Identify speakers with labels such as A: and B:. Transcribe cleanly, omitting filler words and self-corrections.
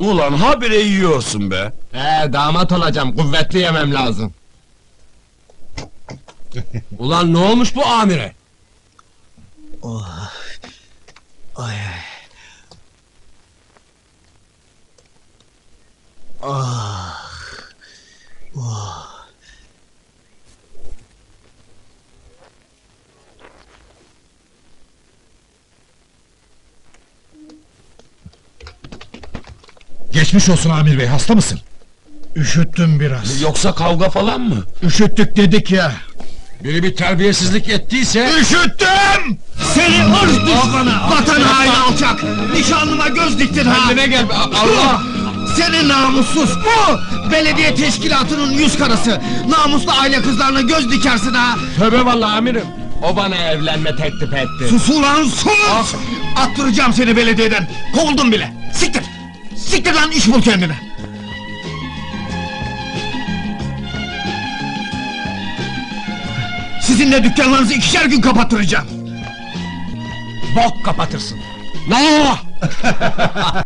A: Ulan habire yiyorsun be!
B: Damat olacağım, kuvvetli yemem lazım. Ulan ne olmuş bu amire?
C: Geçmiş olsun Amir Bey, hasta mısın?
D: Üşüttüm biraz.
A: Yoksa kavga falan mı?
D: Üşüttük dedik ya.
B: Biri bir terbiyesizlik ettiyse...
D: Üşüttüm! Seni ırz düşmanı, vatan haini alçak! Nişanlıma göz diktin ha!
B: Kendine gel, Allah!
D: Seni namussuz! Bu! Belediye teşkilatının yüz karası! Namuslu aile kızlarına göz dikersin ha!
B: Tövbe vallahi amirim! O bana evlenme teklif etti.
D: Sus ulan sus! Attıracağım seni belediyeden! Kovuldum bile! Siktir! Siktir lan, iş bul kendine! Sizinle dükkanlarınızı 2'şer gün kapattıracağım! Bok kapatırsın!
B: Ne?